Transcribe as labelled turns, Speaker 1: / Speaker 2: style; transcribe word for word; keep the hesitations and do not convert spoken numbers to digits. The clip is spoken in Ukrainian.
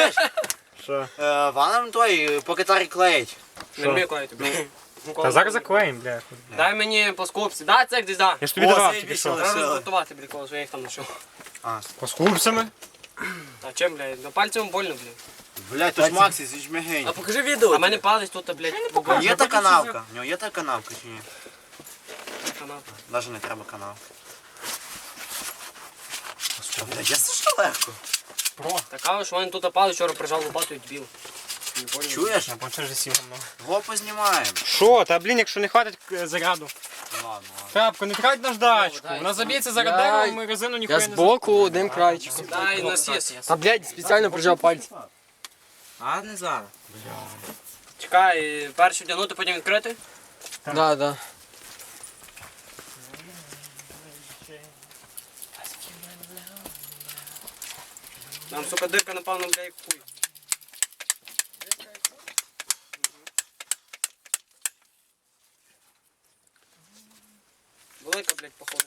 Speaker 1: Чуєш?
Speaker 2: Що?
Speaker 1: Е, Ванам той по гітарі клеїть.
Speaker 3: Не вмію клеїти, блядь.
Speaker 2: Та зараз заклеїм, бля.
Speaker 3: Дай мені по скупці, дай цех десь да.
Speaker 2: Я ж тобі
Speaker 1: О,
Speaker 2: давав
Speaker 1: заєбісь,
Speaker 2: тільки що.
Speaker 1: але-
Speaker 3: Треба розготувати, блядь, коли я їх там знайшов.
Speaker 1: А,
Speaker 2: По скупцями?
Speaker 3: А чим, блядь? На пальцем больно, блядь.
Speaker 1: блядь, то ж Максі, ти ж мягень.
Speaker 4: А покажи відео.
Speaker 3: А в мене палець тут, блядь, в
Speaker 1: Є та канавка? У нього є та канавка чи ні?
Speaker 3: канал.
Speaker 1: Навіть не треба канал. Блядь, я це що легко.
Speaker 3: Така, що він тут палець вчора прижав лопату і дбіл. Не понял.
Speaker 1: Чуєш?
Speaker 2: Я бачу, вже сів.
Speaker 1: Го познімаємо.
Speaker 2: Що? Та блін, якщо не хватить е, заряду.
Speaker 1: Ну ладно, ладно.
Speaker 2: Трапко, не трать наждачку. Вона заб'ється зараз
Speaker 4: Я-
Speaker 2: деревом, ми резину
Speaker 4: Я
Speaker 2: ніхуя не
Speaker 4: збоку одним крайчиком.
Speaker 3: Дай на сіс.
Speaker 4: Та блядь, спеціально прижав пальці.
Speaker 1: А, не зараз.
Speaker 3: Чекай, першу вдягнути, потім відкрити.
Speaker 4: Да, да.
Speaker 3: Нам, сука, дирка, напевно, бля, як хуй. Велика, блядь, походу.